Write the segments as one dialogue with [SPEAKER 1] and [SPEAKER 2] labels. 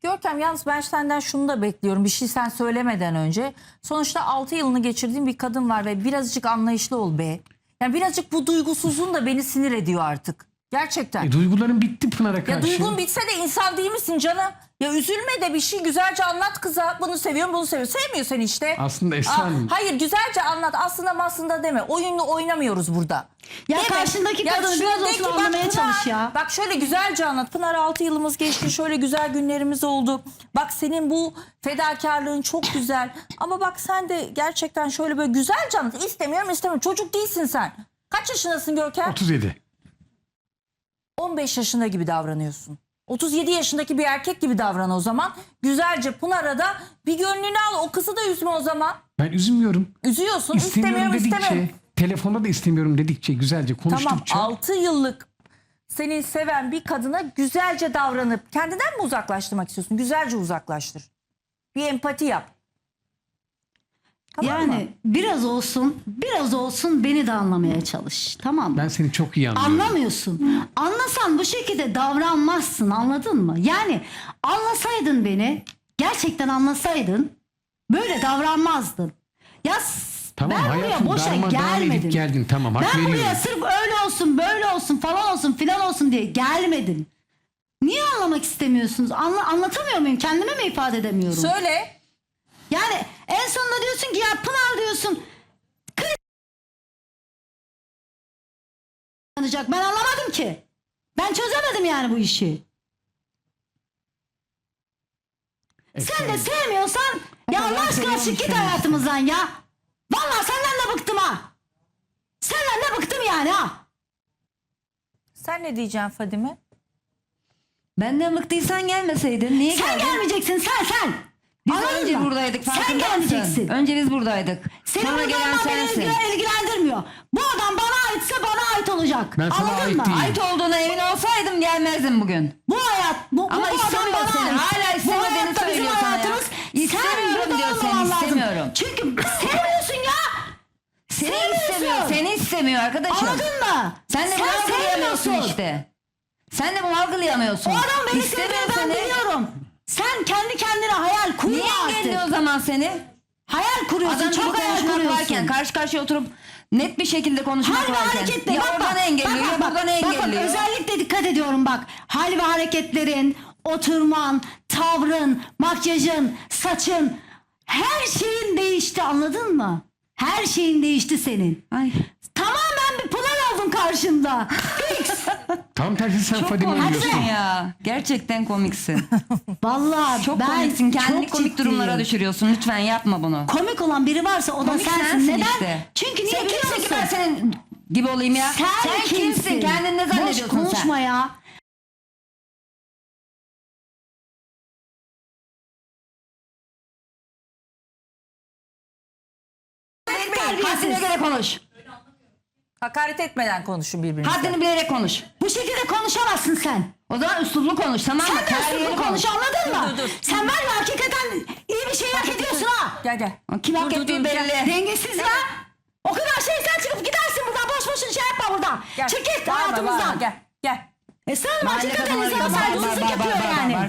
[SPEAKER 1] Görkem yalnız ben senden şunu da bekliyorum. Bir şey sen söylemeden önce. Sonuçta 6 yılını geçirdiğin bir kadın var ve birazcık anlayışlı ol be. Yani birazcık bu duygusuzluğun da beni sinir ediyor artık. Gerçekten.
[SPEAKER 2] Duyguların bitti Pınar'a karşı.
[SPEAKER 1] Ya duygun bitse de insan değil misin canım? Ya üzülme de bir şey güzelce anlat kıza. Bunu seviyorum, bunu seviyorum. Sevmiyor seni işte.
[SPEAKER 2] Aslında Esra Hanım.
[SPEAKER 1] Hayır, güzelce anlat. Aslında deme. Oyunlu oynamıyoruz burada.
[SPEAKER 3] Ya
[SPEAKER 1] Değil mi?
[SPEAKER 3] karşındaki
[SPEAKER 1] Ya
[SPEAKER 3] kadını
[SPEAKER 1] şöyle
[SPEAKER 3] biraz
[SPEAKER 1] de
[SPEAKER 3] olsun
[SPEAKER 1] ki, bak
[SPEAKER 3] anlamaya
[SPEAKER 1] Pınar,
[SPEAKER 3] çalış ya.
[SPEAKER 1] Bak şöyle güzelce anlat. Pınar 6 yılımız geçti. Şöyle güzel günlerimiz oldu. Bak senin bu fedakarlığın çok güzel. Ama bak sen de gerçekten şöyle böyle güzelce anlat. İstemiyorum. Çocuk değilsin sen. Kaç yaşındasın Görkem?
[SPEAKER 2] 37.
[SPEAKER 1] 15 yaşında gibi davranıyorsun. 37 yaşındaki bir erkek gibi davran o zaman. Güzelce Pınar'a da bir gönlünü al. O kızı da üzme o zaman.
[SPEAKER 2] Ben üzülmüyorum.
[SPEAKER 1] Üzüyorsun.
[SPEAKER 2] İstemiyorum dedikçe,
[SPEAKER 1] istemiyorum.
[SPEAKER 2] telefonda da istemiyorum dedikçe, güzelce
[SPEAKER 1] Tamam,
[SPEAKER 2] konuştukça.
[SPEAKER 1] 6 yıllık seni seven bir kadına güzelce davranıp kendinden mi uzaklaştırmak istiyorsun? Güzelce uzaklaştır. Bir empati yap. Tamam
[SPEAKER 3] Yani
[SPEAKER 1] mı?
[SPEAKER 3] biraz olsun beni de anlamaya çalış. Tamam mı?
[SPEAKER 2] Ben seni çok iyi anlıyorum.
[SPEAKER 3] Anlamıyorsun. Anlasan bu şekilde davranmazsın, anladın mı? Yani anlasaydın beni, gerçekten anlasaydın böyle davranmazdın. Ya
[SPEAKER 2] Tamam,
[SPEAKER 3] ben buraya
[SPEAKER 2] hayatım,
[SPEAKER 3] boşa
[SPEAKER 2] darmadağın edip
[SPEAKER 3] gelmedim.
[SPEAKER 2] geldin, tamam, hak
[SPEAKER 3] Ben buraya
[SPEAKER 2] veriyorum.
[SPEAKER 3] sırf öyle olsun, böyle olsun, falan olsun, filan olsun diye gelmedim. Niye anlamak istemiyorsunuz? Anlatamıyor muyum? Kendime mi ifade edemiyorum?
[SPEAKER 1] Söyle.
[SPEAKER 3] Yani en sonunda diyorsun ki ya Pınar diyorsun. Ben anlamadım ki. Ben çözemedim yani bu işi. Sen de sevmiyorsan ya Allah aşkına çık git hayatımızdan ya. Vallahi senden de bıktım ha. Senden de bıktım yani ha.
[SPEAKER 1] Sen ne diyeceksin Fadime?
[SPEAKER 4] Benden bıktıysan gelmeseydin. Niye
[SPEAKER 3] Sen
[SPEAKER 4] geldin?
[SPEAKER 3] gelmeyeceksin sen.
[SPEAKER 4] Biz
[SPEAKER 3] Anladın
[SPEAKER 4] önce
[SPEAKER 3] mı?
[SPEAKER 4] buradaydık,
[SPEAKER 3] Sen
[SPEAKER 4] farkında mısın?
[SPEAKER 3] gelmeyeceksin.
[SPEAKER 4] Önce biz buradaydık.
[SPEAKER 3] Senin
[SPEAKER 4] Sonra
[SPEAKER 3] burada
[SPEAKER 4] gelen
[SPEAKER 3] olman beni
[SPEAKER 4] sensin.
[SPEAKER 3] ilgilendirmiyor. Bu adam bana aitse bana ait olacak.
[SPEAKER 2] Ben sana
[SPEAKER 3] Anladın
[SPEAKER 2] ait
[SPEAKER 3] mı?
[SPEAKER 2] değilim.
[SPEAKER 4] Ait olduğuna emin olsaydım gelmezdim bugün.
[SPEAKER 3] Bu hayat, bu
[SPEAKER 4] Ama
[SPEAKER 3] adam
[SPEAKER 4] istemiyor
[SPEAKER 3] bana
[SPEAKER 4] seni.
[SPEAKER 3] ait.
[SPEAKER 4] Hala
[SPEAKER 3] Bu
[SPEAKER 4] istemediğini
[SPEAKER 3] hayatta bizim
[SPEAKER 4] söylüyor sana ya.
[SPEAKER 3] hayatımız.
[SPEAKER 4] İstemiyorum
[SPEAKER 3] Sen burada
[SPEAKER 4] diyor seni,
[SPEAKER 3] olmaman lazım.
[SPEAKER 4] istemiyorum.
[SPEAKER 3] Çünkü sevmiyorsun ya.
[SPEAKER 4] Seni
[SPEAKER 3] Sevmiyorsun.
[SPEAKER 4] istemiyor. Seni istemiyor arkadaşım.
[SPEAKER 3] Anladın mı?
[SPEAKER 4] Sen de bunu algılayamıyorsun
[SPEAKER 3] sevmiyorsun.
[SPEAKER 4] işte. Sen de bunu algılayamıyorsun.
[SPEAKER 3] O adam beni
[SPEAKER 4] İstemiyor
[SPEAKER 3] sevmiyor, ben
[SPEAKER 4] seni.
[SPEAKER 3] biliyorum. Sen kendi kendine hayal kurma
[SPEAKER 4] Niye engelliyor o
[SPEAKER 3] artık.
[SPEAKER 4] zaman seni?
[SPEAKER 3] Hayal kuruyorsun,
[SPEAKER 4] Adam
[SPEAKER 3] çok
[SPEAKER 4] gibi
[SPEAKER 3] hayal
[SPEAKER 4] konuşmak
[SPEAKER 3] kuruyorsun.
[SPEAKER 4] varken, karşı karşıya oturup net bir şekilde konuşmak
[SPEAKER 3] Hal ve
[SPEAKER 4] varken.
[SPEAKER 3] hareketle
[SPEAKER 4] Ya
[SPEAKER 3] bak
[SPEAKER 4] oradan
[SPEAKER 3] bak.
[SPEAKER 4] engelliyor, ya buradan engelliyor.
[SPEAKER 3] Bak, özellikle dikkat ediyorum bak. Hal ve hareketlerin, oturman, tavrın, makyajın, saçın, her şeyin değişti, anladın mı? Her şeyin değişti senin.
[SPEAKER 4] Ay.
[SPEAKER 3] Tamamen bir Pınar oldun karşımda. Fix.
[SPEAKER 2] Tam tersi sen
[SPEAKER 4] Çok
[SPEAKER 2] Fadime
[SPEAKER 4] komiksin
[SPEAKER 2] oluyorsun.
[SPEAKER 4] ya. Gerçekten komiksin.
[SPEAKER 3] Vallahi
[SPEAKER 4] Çok
[SPEAKER 3] ben
[SPEAKER 4] komiksin. Kendini
[SPEAKER 3] çok
[SPEAKER 4] komik
[SPEAKER 3] ciddiyim.
[SPEAKER 4] durumlara düşürüyorsun. Lütfen yapma bunu.
[SPEAKER 3] Komik olan biri varsa o da
[SPEAKER 4] Komik
[SPEAKER 3] sensin. Neden?
[SPEAKER 4] işte.
[SPEAKER 3] Çünkü niye
[SPEAKER 4] Sen
[SPEAKER 3] biliyor
[SPEAKER 4] kimsin ki
[SPEAKER 3] musun?
[SPEAKER 4] ben senin gibi olayım ya?
[SPEAKER 3] Sen
[SPEAKER 4] kimsin? Kendini ne zannediyorsun
[SPEAKER 3] Boş konuşma
[SPEAKER 4] sen?
[SPEAKER 3] ya.
[SPEAKER 4] Haddine göre konuş.
[SPEAKER 1] Hakaret etmeden konuşun birbirinize.
[SPEAKER 4] Haddini bilerek konuş.
[SPEAKER 3] Bu şekilde konuşamazsın sen.
[SPEAKER 4] O zaman üslublu konuş, tamam mı?
[SPEAKER 3] Sen de
[SPEAKER 4] Terbiyeli
[SPEAKER 3] üsluplu konuş, anladın mı?
[SPEAKER 1] dur.
[SPEAKER 3] Sen var ya hakikaten iyi bir şey hak ediyorsun ha.
[SPEAKER 1] Gel.
[SPEAKER 4] Kim hak ettiği belli.
[SPEAKER 3] Dengesiz ya. O kadar şey sen çıkıp gidersin buradan, boş boşuna şey yapma burada.
[SPEAKER 1] Gel.
[SPEAKER 3] Çık git
[SPEAKER 1] Bağırma,
[SPEAKER 3] hayatımızdan.
[SPEAKER 1] Gel.
[SPEAKER 3] Sen
[SPEAKER 4] Mahalle
[SPEAKER 3] hakikaten
[SPEAKER 4] kadınları gibi
[SPEAKER 3] insana saygısızlık yapıyor yani.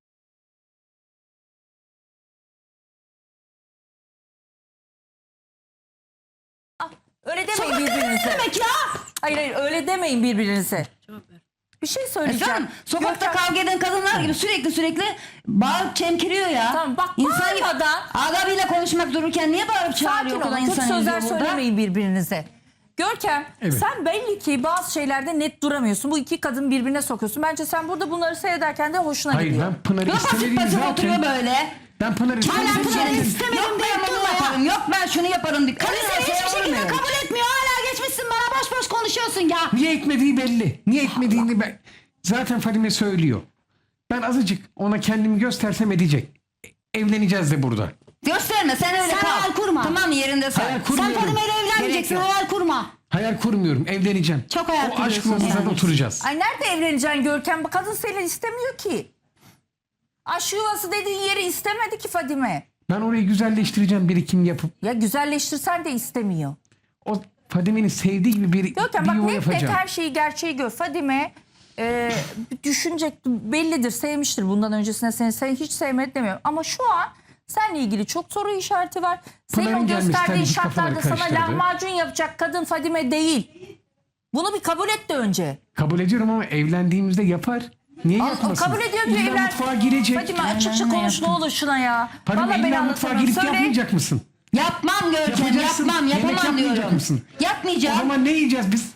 [SPEAKER 1] Öyle demeyin
[SPEAKER 3] Sokak kadını ne
[SPEAKER 1] birbirinize.
[SPEAKER 3] demek ya?
[SPEAKER 1] Hayır öyle demeyin birbirinize. Bir şey söyleyeceğim.
[SPEAKER 4] Sen sokakta
[SPEAKER 1] Görkem-
[SPEAKER 4] kavga eden kadınlar gibi sürekli bağırıp çemkiriyor ya.
[SPEAKER 1] Tamam, bak
[SPEAKER 4] İnsan gibi
[SPEAKER 1] bağırmadan-
[SPEAKER 4] adabıyla konuşmak dururken niye bağırıp
[SPEAKER 1] Sakin
[SPEAKER 4] çağırıyor o kadar
[SPEAKER 1] olun. Kötü
[SPEAKER 4] insan
[SPEAKER 1] sözler
[SPEAKER 4] yüzüyor burada?
[SPEAKER 1] söylemeyin birbirinize. Görkem
[SPEAKER 2] Evet.
[SPEAKER 1] sen belli ki bazı şeylerde net duramıyorsun. Bu iki kadın birbirine sokuyorsun. Bence sen burada bunları seyrederken de hoşuna
[SPEAKER 2] Hayır,
[SPEAKER 1] gidiyor.
[SPEAKER 2] ben Pınar'ı
[SPEAKER 4] Yok pasif
[SPEAKER 2] istemediğim
[SPEAKER 4] pasif oturuyor
[SPEAKER 2] zaten.
[SPEAKER 4] böyle.
[SPEAKER 2] Ben Pınar'ı
[SPEAKER 3] Hala
[SPEAKER 2] istemediğim
[SPEAKER 3] Pınar'ı
[SPEAKER 2] zaten.
[SPEAKER 3] istemedim
[SPEAKER 4] Yok ben
[SPEAKER 3] deyip
[SPEAKER 4] bunu
[SPEAKER 3] durma ya.
[SPEAKER 4] yaparım. Yok ben şunu yaparım.
[SPEAKER 3] Karı seni hiçbir şekilde kabul etmiyor. Hala geçmişsin bana, boş boş konuşuyorsun ya.
[SPEAKER 2] Niye etmediği belli. Niye etmediğini ben... Zaten Fadime söylüyor. Ben azıcık ona kendimi göstersem edecek. Evleneceğiz de burada.
[SPEAKER 4] Gösterme sen öyle
[SPEAKER 3] Sen
[SPEAKER 4] kal.
[SPEAKER 3] hayal kurma.
[SPEAKER 4] Tamam yerinde sen.
[SPEAKER 2] Hayal
[SPEAKER 3] Sen
[SPEAKER 2] kurmuyorum.
[SPEAKER 3] Fadime ile evlenmeyeceksin,
[SPEAKER 4] Gerek yok.
[SPEAKER 3] hayal kurma.
[SPEAKER 2] Hayal kurmuyorum. Evleneceğim.
[SPEAKER 3] Çok hayal
[SPEAKER 2] O aşk
[SPEAKER 3] kuruyorsun
[SPEAKER 2] masasında
[SPEAKER 3] yani.
[SPEAKER 2] oturacağız.
[SPEAKER 1] Ay nerede evleneceksin Görkem? Bu kadın seni istemiyor ki. Aşk yuvası dediğin yeri istemedi ki Fadime.
[SPEAKER 2] Ben orayı güzelleştireceğim, birikim yapıp.
[SPEAKER 1] Ya güzelleştirsen de istemiyor.
[SPEAKER 2] O Fadime'nin sevdiği gibi bir
[SPEAKER 1] Görkem
[SPEAKER 2] yuva
[SPEAKER 1] bak net net
[SPEAKER 2] yapacağım.
[SPEAKER 1] her şeyi gerçeği gör. Fadime düşünecek, bellidir, sevmiştir bundan öncesine seni hiç sevmedi demiyorum. Ama şu an seninle ilgili çok soru işareti var. Senin
[SPEAKER 2] Pınar'ın
[SPEAKER 1] o
[SPEAKER 2] gelmesi
[SPEAKER 1] gösterdiğin
[SPEAKER 2] tabii ki kafaları
[SPEAKER 1] şartlarda sana
[SPEAKER 2] karıştırdı.
[SPEAKER 1] lahmacun yapacak kadın Fadime değil. Bunu bir kabul et de önce.
[SPEAKER 2] Kabul ediyorum ama evlendiğimizde yapar. Niye yapmasın?
[SPEAKER 1] Kabul ediyor diyor
[SPEAKER 2] İlla
[SPEAKER 1] evlen.
[SPEAKER 2] mutfağa girecek.
[SPEAKER 1] Fadime açıkça
[SPEAKER 4] Aynen,
[SPEAKER 1] konuş ne
[SPEAKER 4] yaptım.
[SPEAKER 1] olur şuna ya.
[SPEAKER 2] Fadime
[SPEAKER 1] Vallahi ben
[SPEAKER 2] illa mutfağa
[SPEAKER 1] anlatamam.
[SPEAKER 2] girip
[SPEAKER 1] Söyle.
[SPEAKER 2] yapmayacak mısın?
[SPEAKER 4] Yapmam Görkem,
[SPEAKER 2] Yapacaksın.
[SPEAKER 4] yapmam,
[SPEAKER 2] Yemek
[SPEAKER 4] yapamam
[SPEAKER 2] yapmayacak
[SPEAKER 4] diyorum.
[SPEAKER 2] mısın? O
[SPEAKER 4] Yapmayacağım.
[SPEAKER 2] zaman ne yiyeceğiz biz?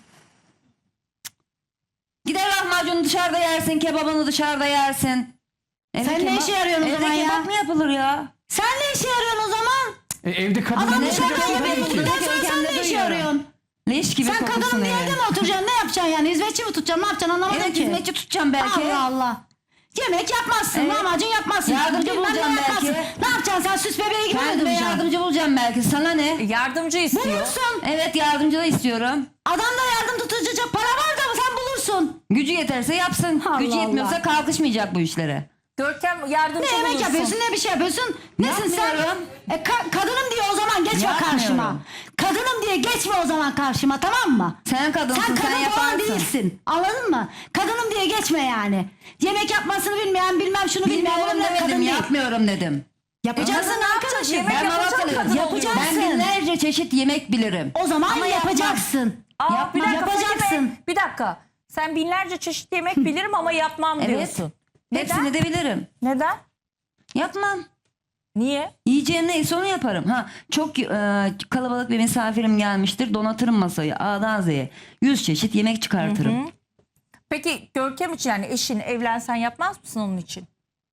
[SPEAKER 4] Gider lahmacunu dışarıda yersin, kebabını dışarıda yersin.
[SPEAKER 3] Sen ne işe yarıyorsun o
[SPEAKER 4] Evde
[SPEAKER 3] zaman ya?
[SPEAKER 4] kebap mı yapılır ya?
[SPEAKER 3] Sen ne işe yarıyorsun o zaman?
[SPEAKER 2] Evde kadın
[SPEAKER 3] Adam
[SPEAKER 2] ne
[SPEAKER 3] dışarıdan
[SPEAKER 2] yapacaksın
[SPEAKER 3] yemek
[SPEAKER 2] tabii ki?
[SPEAKER 3] bulduktan sonra sen
[SPEAKER 4] Görkem'de
[SPEAKER 3] ne işe
[SPEAKER 4] duyuyorum.
[SPEAKER 3] yarıyorsun?
[SPEAKER 4] Leş gibi
[SPEAKER 3] Sen
[SPEAKER 4] kokusun
[SPEAKER 3] kadının bir
[SPEAKER 4] evi.
[SPEAKER 3] yerde mi oturacaksın? Ne yapacaksın yani? Hizmetçi mi tutacaksın? Ne yapacaksın anlamadım
[SPEAKER 4] Evet,
[SPEAKER 3] ki.
[SPEAKER 4] hizmetçi tutacağım belki.
[SPEAKER 3] Allah Allah. Yemek yapmazsın,
[SPEAKER 4] Evet.
[SPEAKER 3] lahmacun yapmazsın.
[SPEAKER 4] Yardımcı
[SPEAKER 3] bilmem ne
[SPEAKER 4] bulacağım
[SPEAKER 3] yapmazsın.
[SPEAKER 4] belki.
[SPEAKER 3] Ne yapacaksın sen süs bebeği gibi mi
[SPEAKER 4] Kendime
[SPEAKER 3] duracaksın?
[SPEAKER 4] yardımcı bulacağım belki. Sana ne?
[SPEAKER 1] Yardımcı istiyor.
[SPEAKER 3] Bulursun.
[SPEAKER 4] Evet, yardımcı da istiyorum.
[SPEAKER 3] Adamda yardım tutacak para var da sen bulursun.
[SPEAKER 4] Gücü yeterse yapsın.
[SPEAKER 3] Allah
[SPEAKER 4] Gücü yetmiyorsa
[SPEAKER 3] Allah.
[SPEAKER 4] kalkışmayacak bu işlere.
[SPEAKER 1] Görkem yardımcı
[SPEAKER 3] Ne yemek
[SPEAKER 1] bulursun.
[SPEAKER 3] yapıyorsun ne bir şey yapıyorsun. Nesin sen?
[SPEAKER 4] Yapmıyorum.
[SPEAKER 3] Kadınım diye o zaman geçme
[SPEAKER 4] Yapmıyorum.
[SPEAKER 3] karşıma. Kadınım diye geçme o zaman karşıma, tamam mı?
[SPEAKER 4] Sen kadınsın,
[SPEAKER 3] Sen
[SPEAKER 4] sen
[SPEAKER 3] kadın falan
[SPEAKER 4] yaparsın.
[SPEAKER 3] değilsin. Anladın mı? Kadınım diye geçme yani. Yemek yapmasını bilmeyen, bilmem şunu bilmeyen
[SPEAKER 4] Bilmiyorum
[SPEAKER 3] onlar kadın
[SPEAKER 4] demedim,
[SPEAKER 3] değil.
[SPEAKER 4] yapmıyorum dedim.
[SPEAKER 3] Yapacaksın
[SPEAKER 1] Kadın ne yapacak?
[SPEAKER 3] arkadaşım.
[SPEAKER 1] Yemek
[SPEAKER 4] Ben
[SPEAKER 1] yapacak
[SPEAKER 4] Malatyalıyım.
[SPEAKER 1] kadın oluyor.
[SPEAKER 3] Yapacaksın.
[SPEAKER 4] Ben binlerce çeşit yemek bilirim.
[SPEAKER 3] O zaman
[SPEAKER 4] Ama yapmam.
[SPEAKER 3] yapacaksın.
[SPEAKER 1] Aa, bir dakika,
[SPEAKER 3] Yapacaksın.
[SPEAKER 1] Fadime, bir dakika. Sen binlerce çeşit yemek bilirim ama yapmam
[SPEAKER 4] Evet.
[SPEAKER 1] diyorsun.
[SPEAKER 4] Hepsini
[SPEAKER 1] Neden?
[SPEAKER 4] de bilirim.
[SPEAKER 1] Neden?
[SPEAKER 4] Yapmam.
[SPEAKER 1] Niye?
[SPEAKER 4] Yiyeceğim neyse onu yaparım. Ha, çok kalabalık bir misafirim gelmiştir. Donatırım masayı A'dan Z'ye. 100 çeşit yemek çıkartırım.
[SPEAKER 1] Peki Görkem için yani eşin evlensen yapmaz mısın onun için?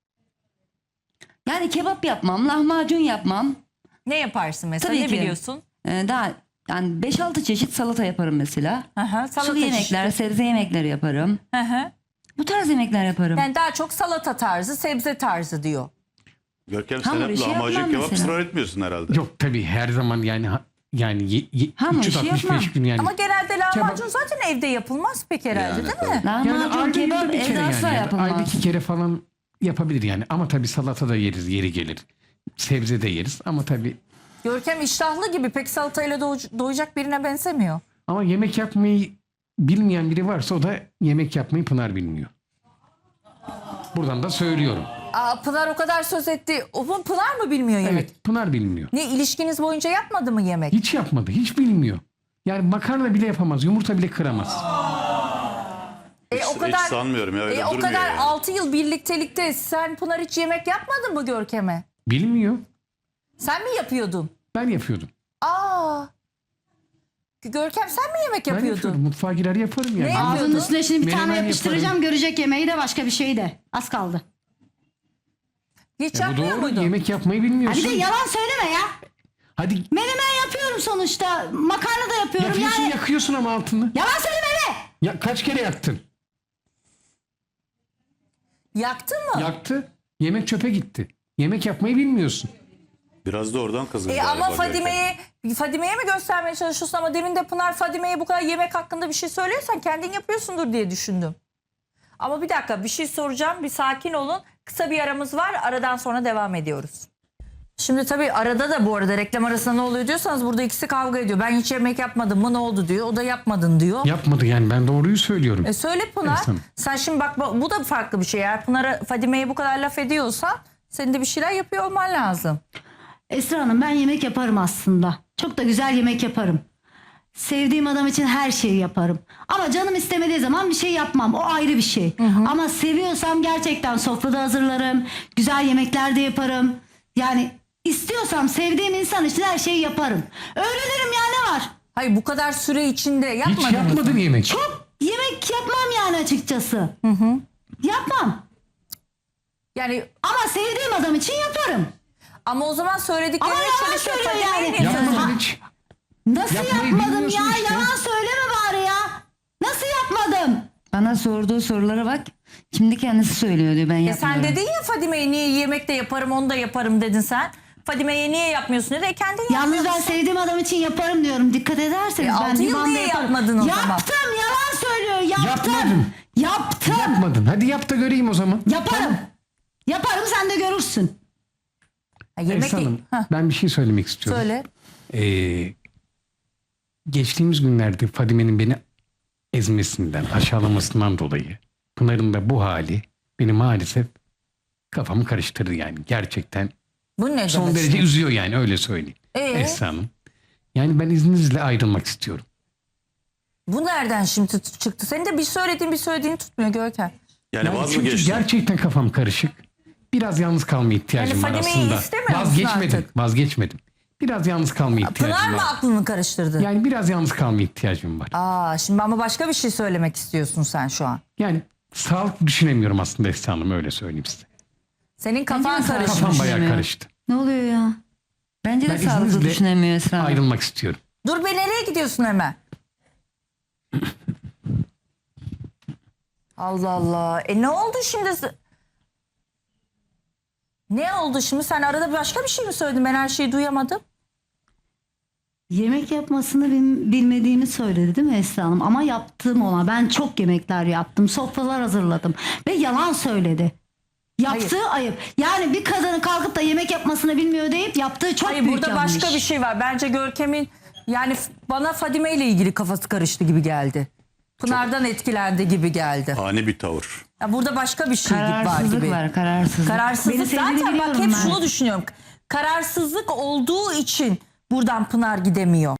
[SPEAKER 4] Yani kebap yapmam, lahmacun yapmam.
[SPEAKER 1] Ne yaparsın mesela?
[SPEAKER 4] Tabii
[SPEAKER 1] ne
[SPEAKER 4] ki.
[SPEAKER 1] biliyorsun?
[SPEAKER 4] Daha yani 5-6 çeşit salata yaparım mesela.
[SPEAKER 1] Hı hı, salata
[SPEAKER 4] Sulu yemekler,
[SPEAKER 1] çeşidi.
[SPEAKER 4] sebze yemekleri yaparım.
[SPEAKER 1] Hı hı.
[SPEAKER 4] Bu tarz yemekler yaparım.
[SPEAKER 1] Yani daha çok salata tarzı, sebze tarzı diyor.
[SPEAKER 5] Görkem sen
[SPEAKER 4] Hamur
[SPEAKER 5] hep
[SPEAKER 4] işi
[SPEAKER 5] lahmacun
[SPEAKER 4] yapmam
[SPEAKER 5] kebap
[SPEAKER 4] mesela.
[SPEAKER 5] ısrar etmiyorsun herhalde.
[SPEAKER 2] Yok tabii her zaman yani
[SPEAKER 4] Hamur işi
[SPEAKER 2] 365
[SPEAKER 4] yapmam.
[SPEAKER 2] gün yani.
[SPEAKER 1] Ama genelde lahmacun
[SPEAKER 2] Kebap-
[SPEAKER 1] zaten evde yapılmaz pek herhalde
[SPEAKER 5] Yani,
[SPEAKER 1] değil mi?
[SPEAKER 2] Yani
[SPEAKER 4] Lahmacun,
[SPEAKER 2] ayda
[SPEAKER 4] kebap
[SPEAKER 2] yılda bir kere
[SPEAKER 4] evde asla
[SPEAKER 2] yani.
[SPEAKER 4] yapılmaz.
[SPEAKER 2] Ayda 2 kere falan yapabilir yani. Ama tabii salata da yeriz, yeri gelir. Sebze de yeriz ama tabii.
[SPEAKER 1] Görkem iştahlı gibi pek salatayla doyacak birine benzemiyor.
[SPEAKER 2] Ama yemek yapmayı bilmeyen biri varsa o da yemek yapmayı Pınar bilmiyor. Buradan da söylüyorum.
[SPEAKER 1] Aa, Pınar o kadar söz etti. O Pınar mı bilmiyor yemek?
[SPEAKER 2] Evet, Pınar bilmiyor.
[SPEAKER 1] Ne ilişkiniz boyunca yapmadı mı yemek?
[SPEAKER 2] Hiç yapmadı, hiç bilmiyor. Yani makarna bile yapamaz, yumurta bile kıramaz.
[SPEAKER 5] Hiç sanmıyorum ya, öyle
[SPEAKER 1] o
[SPEAKER 5] durmuyor
[SPEAKER 1] kadar
[SPEAKER 5] yani.
[SPEAKER 1] 6 yıl birliktelikte sen Pınar hiç yemek yapmadın mı Görkem'e?
[SPEAKER 2] Bilmiyor.
[SPEAKER 1] Sen mi yapıyordun?
[SPEAKER 2] Ben yapıyordum.
[SPEAKER 1] Aa. Görkem sen mi yemek
[SPEAKER 2] Ben
[SPEAKER 1] yapıyordun?
[SPEAKER 2] yapıyordum. Mutfağa girer yaparım yani.
[SPEAKER 1] Ne yapıyordun?
[SPEAKER 3] Ağzının üstüne şimdi bir
[SPEAKER 2] Menemen
[SPEAKER 3] tane yapıştıracağım,
[SPEAKER 2] yaparım.
[SPEAKER 3] görecek yemeği de başka bir şeyi de. Az kaldı.
[SPEAKER 1] Hiç
[SPEAKER 2] Bu
[SPEAKER 1] yapmıyor
[SPEAKER 2] doğru.
[SPEAKER 1] muydun?
[SPEAKER 2] Yemek yapmayı
[SPEAKER 3] Ha
[SPEAKER 2] bilmiyorsun.
[SPEAKER 3] bir de yalan söyleme ya.
[SPEAKER 2] Hadi
[SPEAKER 3] Menemen yapıyorum sonuçta. Makarna da yapıyorum
[SPEAKER 2] yapıyorsun,
[SPEAKER 3] yani.
[SPEAKER 2] yakıyorsun ama altını.
[SPEAKER 3] Yalan söyleme be.
[SPEAKER 2] Ya kaç kere yaktın?
[SPEAKER 1] Yaktın mı?
[SPEAKER 2] Yaktı. Yemek çöpe gitti. Yemek yapmayı bilmiyorsun.
[SPEAKER 5] Biraz da oradan kızın galiba.
[SPEAKER 1] Ama
[SPEAKER 5] Görkem.
[SPEAKER 1] Fadime'ye mi göstermeye çalışıyorsun ama demin de Pınar Fadime'ye bu kadar yemek hakkında bir şey söylüyorsan kendin yapıyorsundur diye düşündüm. Ama bir dakika bir şey soracağım, bir sakin olun. Kısa bir aramız var, aradan sonra devam ediyoruz. Şimdi tabii arada da bu arada reklam arasında ne oluyor diyorsanız burada ikisi kavga ediyor. Ben hiç yemek yapmadım mı ne oldu diyor, o da yapmadın diyor.
[SPEAKER 2] Yapmadı yani, ben doğruyu söylüyorum.
[SPEAKER 1] Söyle Pınar,
[SPEAKER 2] Evet, hanım.
[SPEAKER 1] sen şimdi bak bu da farklı bir şey. Eğer Pınar'a Fadime'ye bu kadar laf ediyorsan senin de bir şeyler yapıyor olman lazım.
[SPEAKER 3] Esra Hanım ben yemek yaparım aslında. Çok da güzel yemek yaparım. Sevdiğim adam için her şeyi yaparım. Ama canım istemediği zaman bir şey yapmam. O ayrı bir şey. Ama seviyorsam gerçekten sofrada hazırlarım. Güzel yemekler de yaparım. Yani istiyorsam sevdiğim insan için her şeyi yaparım. Öğrenirim ya, ne var?
[SPEAKER 1] Hayır bu kadar süre içinde
[SPEAKER 2] Hiç
[SPEAKER 1] yapmadın mı?
[SPEAKER 2] yapmadın yemek.
[SPEAKER 3] Çok yemek yapmam yani açıkçası. Yapmam.
[SPEAKER 1] Yani
[SPEAKER 3] Ama sevdiğim adam için yaparım.
[SPEAKER 1] ama o zaman söylediklerini
[SPEAKER 3] Ama yalan
[SPEAKER 1] çalışıyor.
[SPEAKER 3] söylüyor
[SPEAKER 1] Fadime'ye
[SPEAKER 3] yani.
[SPEAKER 1] niye söylüyorsun?
[SPEAKER 2] Yapmadın hiç.
[SPEAKER 3] Nasıl
[SPEAKER 2] Yapmayı
[SPEAKER 3] yapmadım
[SPEAKER 2] bilmiyorsun
[SPEAKER 3] ya?
[SPEAKER 2] işte.
[SPEAKER 3] Yalan söyleme bari ya. Nasıl yapmadım?
[SPEAKER 4] Bana sorduğu sorulara bak. Şimdi kendisi söylüyor diyor ben yapmıyorum.
[SPEAKER 1] Sen dedin ya Fadime'ye niye yemek de yaparım onu da yaparım dedin sen. Fadime'ye niye yapmıyorsun dedi. Kendin
[SPEAKER 3] Yalnız ben
[SPEAKER 1] yapmıyorsun.
[SPEAKER 3] sevdiğim adam için yaparım diyorum. Dikkat ederseniz. ben
[SPEAKER 1] 6 yıl
[SPEAKER 3] limanda
[SPEAKER 1] niye
[SPEAKER 3] yaparım.
[SPEAKER 1] yapmadın o zaman?
[SPEAKER 3] Yaptım, yalan söylüyor. Yaptım.
[SPEAKER 2] Yapmadın.
[SPEAKER 3] Yaptım.
[SPEAKER 2] Yapmadın. Hadi yap da göreyim o zaman.
[SPEAKER 3] Yaparım. Yaparım, sen de görürsün.
[SPEAKER 1] Ha, yemek
[SPEAKER 2] Esra Hanım,
[SPEAKER 1] Hah,
[SPEAKER 2] ben bir şey söylemek istiyorum.
[SPEAKER 1] söyle.
[SPEAKER 2] Geçtiğimiz günlerde Fadime'nin beni ezmesinden, aşağılamasından dolayı Pınar'ın da bu hali beni maalesef kafamı karıştırdı yani. Gerçekten
[SPEAKER 1] Bu ne
[SPEAKER 2] son
[SPEAKER 1] demek
[SPEAKER 2] derece
[SPEAKER 1] şimdi?
[SPEAKER 2] üzüyor yani, öyle söyleyeyim. Esra Hanım. Yani ben izninizle ayrılmak istiyorum.
[SPEAKER 1] Bu nereden şimdi çıktı? Senin de bir söylediğini tutmuyor Görkem.
[SPEAKER 5] Yani vaz mı
[SPEAKER 2] çünkü
[SPEAKER 5] geçtin?
[SPEAKER 2] gerçekten kafam karışık. Biraz yalnız kalmaya ihtiyacım var
[SPEAKER 1] Fadime'yi
[SPEAKER 2] aslında.
[SPEAKER 1] istemiyor musun artık?
[SPEAKER 2] Vazgeçmedim. Biraz yalnız kalmaya ihtiyacım
[SPEAKER 1] Pınar mı
[SPEAKER 2] var.
[SPEAKER 1] aklını karıştırdı?
[SPEAKER 2] Yani biraz yalnız kalmaya ihtiyacım var.
[SPEAKER 1] Şimdi ama başka bir şey söylemek istiyorsun sen şu an.
[SPEAKER 2] Yani sağlıklı düşünemiyorum aslında Esra Hanım, öyle söyleyeyim size.
[SPEAKER 1] Senin kafan
[SPEAKER 4] de
[SPEAKER 1] karışmış.
[SPEAKER 2] Kafam bayağı
[SPEAKER 4] düşünemiyor.
[SPEAKER 2] karıştı.
[SPEAKER 3] Ne oluyor ya?
[SPEAKER 4] Bence de
[SPEAKER 2] Ben
[SPEAKER 4] sağlıklı
[SPEAKER 2] izninizle
[SPEAKER 4] düşünemiyor Esra Hanım.
[SPEAKER 2] ayrılmak istiyorum.
[SPEAKER 1] Dur be, nereye gidiyorsun hemen? Allah Allah. Ne oldu şimdi? Ne oldu şimdi? Sen arada başka bir şey mi söyledin? Ben her şeyi duyamadım.
[SPEAKER 3] Yemek yapmasını bilmediğimi söyledi değil mi Esra Hanım? Ama yaptığım ona. Ben çok yemekler yaptım. Sofralar hazırladım. Ve yalan söyledi. Yaptığı ayıp. Yani bir kadının kalkıp da yemek yapmasını bilmiyor deyip yaptığı çok
[SPEAKER 1] Hayır,
[SPEAKER 3] büyük
[SPEAKER 1] burada
[SPEAKER 3] yanlış.
[SPEAKER 1] başka bir şey var. Bence Görkem'in yani bana Fadime ile ilgili kafası karıştı gibi geldi. Pınar'dan etkilendi gibi geldi.
[SPEAKER 5] Ani bir tavır.
[SPEAKER 1] Ya burada başka bir şey var
[SPEAKER 4] Kararsızlık
[SPEAKER 1] gibi.
[SPEAKER 4] var, kararsızlık.
[SPEAKER 1] Kararsızlık
[SPEAKER 3] Beni sevdiğini
[SPEAKER 1] zaten, bak
[SPEAKER 3] biliyorum
[SPEAKER 1] hep
[SPEAKER 3] ben.
[SPEAKER 1] şunu düşünüyorum. Kararsızlık olduğu için buradan Pınar gidemiyor.